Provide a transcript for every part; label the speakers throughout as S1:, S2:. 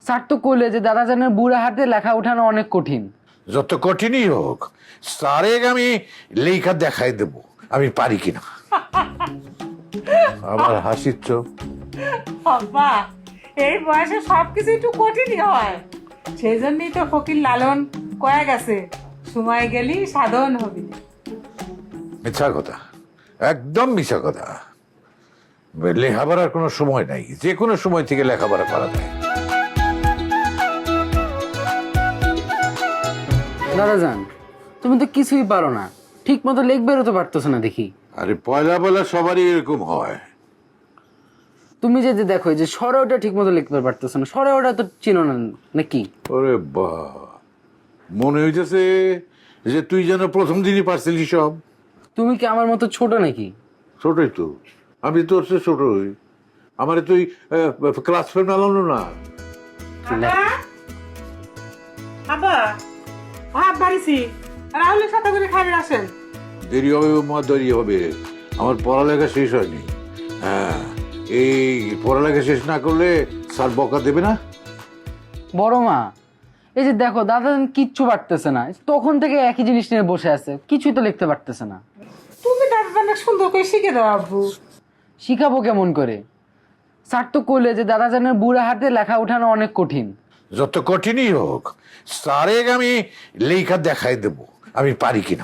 S1: Sir তো কইলে যে দাদাজানের বুড়া হাতে লেখা উঠানো অনেক কঠিন।
S2: যত কঠিনই হোক স্যারে আমি লেখা দেখাই দেব আমি পারি কিনা। আবার হাসিচ্ছ?
S3: বাবা, এই বয়সে সবকিছু একটু কঠিনই হয়, সেই জন্যই তো ফকির লালন কয়ে গেছে, সময় গেলি সাধন হবি।
S2: মিথ্যা কথা, একদম মিথ্যা কথা। লেখাপড়ার কোনো সময় নাই, যে কোনো সময় থেকে লেখাপড়া করা যায়।
S1: দাদাজান, তুমি তো কিছুই পারো না, ঠিক মতো লিখবেরও তো পারতেছো না দেখি।
S2: আরে পয়লা পয়লা সবারই এরকম হয়।
S1: তুমি যে যে দেখো যে সরে ওটা ঠিক মতো লিখতে পারতেছো না, সরে ওটা তো চিনো না নাকি?
S2: ওরে বা, মনে হইতেছে যে তুই যেন প্রথম দিনই পারছিলি সব।
S1: তুমি কি আমার মতো ছোট নাকি?
S2: ছোটই তো, আমি তোর চেয়ে ছোটই। আমারে তুই ক্লাস ফ্রেন্ড আলানো না।
S3: বাবা, ভাত বাড়িছি, রাহুলের সাথে করে খাবে আসেন।
S2: দেরি হবে মা, দেরি হবে। আমার পড়ালেখা শেষ হয়নি। হ্যাঁ, এই পড়ালেখা শেষ না করলে স্যার বকা দেবে না।
S1: বড় মা, এই যে দেখো দাদাজান কিচ্ছু পারতেছে না, তখন থেকে একই জিনিস নিয়ে বসে আছে, কিছুই তো লিখতে পারতেছে না।
S3: তুমি দাদা অনেক সুন্দর করে শিখে দাও আব্বু।
S1: শিখাবো কেমন করে? স্যার তো কইলে যে দাদাজানের বুড়া হাতে লেখা উঠানো অনেক কঠিন।
S2: যত কঠিনই হোক স্যারে আমি লেখা দেখাই দেব আমি পারি কিনা।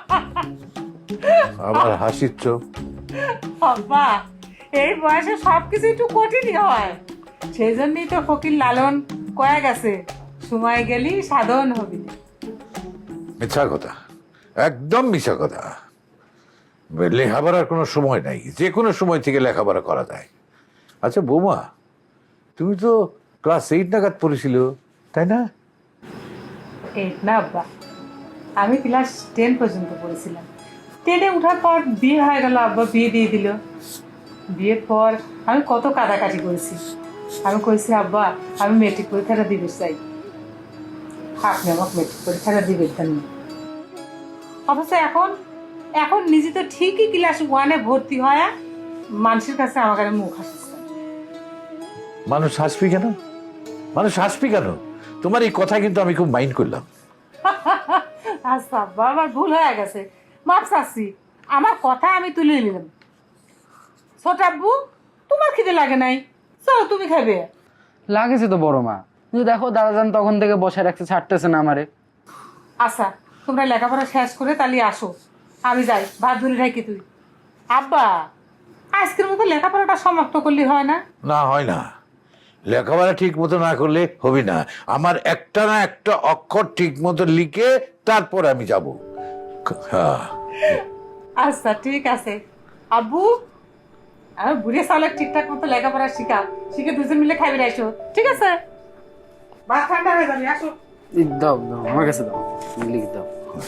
S2: আবার হাসিচ্ছ?
S3: বাবা, এই বয়সে সবকিছু একটু কঠিনই হয়, সেই জন্যই তো ফকির লালন কয়ে গেছে, সময় গেলি সাধন হবি।
S2: মিথ্যা কথা, একদম মিথ্যা কথা। লেখাপড়ার কোনো সময় নাই, যে কোনো সময় থেকে লেখাপড়া করা যায়। আচ্ছা বৌমা, তুমি তো ক্লাস 8 নাগাদ পড়েছিল তাই না?
S3: এই না আব্বা, আমি ক্লাস 10 পর্যন্ত পড়েছিলাম। 10-এ উঠার পর বিয়ে হয়ে গেল, আব্বা বিয়ে দিয়ে দিল। বিয়ের পর আমি কত কাটাকাটি করেছি। আমি কইছি আব্বা আমি মেট্রিক পরীক্ষাটা দিতে চাই, আপনি আমাকে মেট্রিক পরীক্ষাটা দিবে দেন না। অথচ এখন এখন নিজে তো ঠিকই ক্লাস 1-এ ভর্তি হয়, মানুষের কাছে আমার কাছে মুখ হাসছে।
S2: মানুষ হাসবি কেন? মানুষ হাসবি কেন? তোমার এই কথা কিন্তু আমি খুব মাইন্ড করলাম।
S3: আচ্ছা আব্বা, আমার ভুল হয়ে গেছে, মাপ চাচ্ছি। আমার কথা আমি তুলে নিলাম। ছোট আব্বু, তোমার খিদে লাগে নাই? চলো তুমি খাবে।
S1: লাগেছে তো বড় মা, কিন্তু দেখো দাদাজান তখন থেকে বসে রাখছে, ছাড়তেছে না আমারে।
S3: আচ্ছা, তোমরা লেখাপড়া শেষ করে তাহলে আসো, আমি যাই, ভাত ধরে রাখি তুই। আব্বা, আজকের মতো লেখাপড়াটা সমাপ্ত করলে হয় না?
S2: না হয় না, লেখাপড়া ঠিক মতো না করলে হবে না। আমার একটা না একটা অক্ষর ঠিক মতো লিখে তারপর আমি যাব। হ্যাঁ,
S3: আচ্ছা ঠিক আছে আব্বু, আমি বুড়ে সালে ঠিকঠাক মতো লেখাপড়া শিখাও, শিখে দুজন মিলে খাইবে আসো, ঠিক আছে? ভাত ঠান্ডা হয়ে যাবে, আসো।
S1: দাও দাও আমার কাছে দাও, লিখ দাও।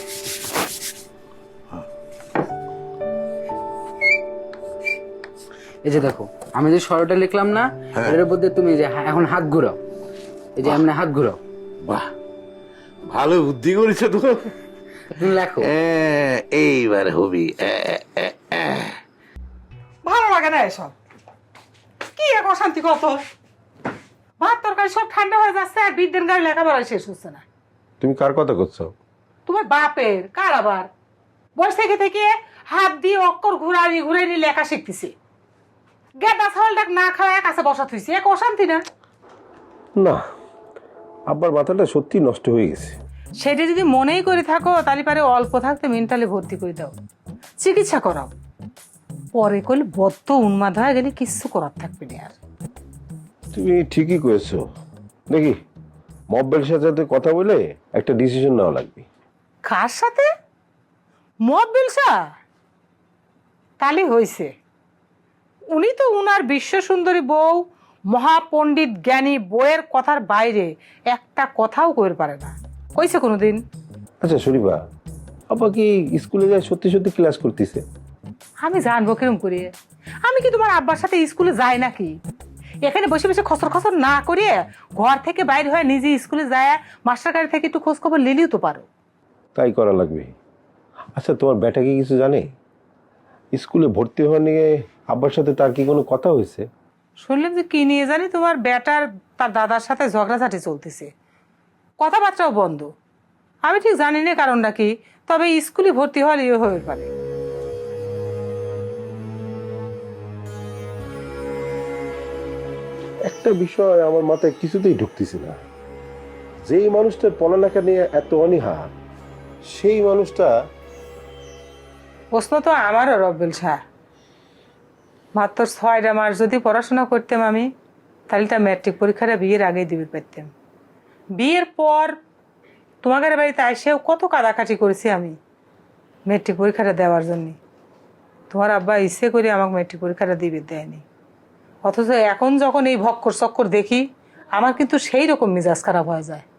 S1: এই যে দেখো আমি যে সরটা লিখলাম না, এর মধ্যে তুমি যে এখন হাত ঘুরাও, এই যে এমনি হাত ঘুরাও।
S2: বাহ, ভালো বুদ্ধি করেছো তো।
S1: তুমি লেখো।
S2: এইবার হবি।
S3: ভালো লাগে না এসব, কি এক অশান্তি কত। ভাত তরকারি সব ঠান্ডা হয়ে যাচ্ছে আর বিদ্যের গাড়ি লেখাপড়া শেষ হচ্ছে না।
S4: তুমি কার কথা করছো?
S3: তোমার বাপের, কার আবার? বয়স থেকে থেকে হাত দিয়ে অক্ষর ঘুরানি ঘুরানি লেখা শিখতেছি, গেদা ছাগলটা না খাওয়া কাছে বসা থুইছি, এক অশান্তি না?
S4: না, আব্বার মাথাটা সত্যি নষ্ট হয়ে গেছে।
S3: সেটা যদি মনেই করে থাকো তাহলে পারে অল্প থাকতে মেন্টালি ভর্তি করে দাও, চিকিৎসা করাও। পরে করলে বদ্ধ উন্মাদ হয়ে গেলে কিচ্ছু করার থাকবে না আর।
S4: তুমি ঠিকই করেছো, দেখি মব্বেল সাথে কথা বলে একটা ডিসিশন নেওয়া লাগবে।
S3: কার সাথে? মব্বিলসা? তাহলে হয়েছে, উনি তো উনার বিশ্ব সুন্দরী বউ, মহাপণ্ডিত জ্ঞানী বইয়ের কথার বাইরে একটা কথাও কইতে পারে না, কইছে কোনোদিন?
S4: আচ্ছা শরীফা, আব্বা কি স্কুলে যায় সত্যি সত্যি ক্লাস করতেছে?
S3: আমি জানবো কিরম করে? আমি কি তোমার আব্বার সাথে স্কুলে যাই নাকি? এখানে বসে বসে খসর খসর না করিয়ে ঘর থেকে বাইরে হয়ে নিজে স্কুলে যায়, মাস্টার কারি থেকে একটু খোঁজ খবর নিলেও তো পারো।
S4: তাই করা লাগবে। আচ্ছা তোমার বেটা কি কিছু জানে? স্কুলে ভর্তি হওয়া নিয়ে আব্বার সাথে তার কি কোনো কথা হয়েছে?
S3: শুনলাম যে কি নিয়ে জানি তোমার বেটার তার দাদার সাথে ঝগড়াঝাটি চলতেছে, কথাবার্তাও বন্ধ। আমি ঠিক জানি না কারণটা কি, তবে স্কুলে ভর্তি হওয়ার ইয়ে হয়ে পারে।
S4: একটা বিষয় আমার মাথায় কিছুতেই ঢুকতেছে না, যেই মানুষটার পড়ালেখা নিয়ে এত অনীহা, সেই মানুষটা
S3: প্রশ্ন তো আমারও রব্বেল শাহ। মাত্র 6টা মাস যদি পড়াশোনা করতাম আমি, তাহলে তা ম্যাট্রিক পরীক্ষাটা বিয়ের আগেই দিবে পারতাম। বিয়ের পর তোমাদের বাড়িতে এসেও কত কাদাকাটি করেছি আমি ম্যাট্রিক পরীক্ষাটা দেওয়ার জন্য। তোমার আব্বা ইচ্ছে করে আমাকে ম্যাট্রিক পরীক্ষাটা দিবে দেয়নি। অথচ এখন যখন এই ভক্কর চক্কর দেখি, আমার কিন্তু সেই রকম মেজাজ খারাপ হয়ে যায়।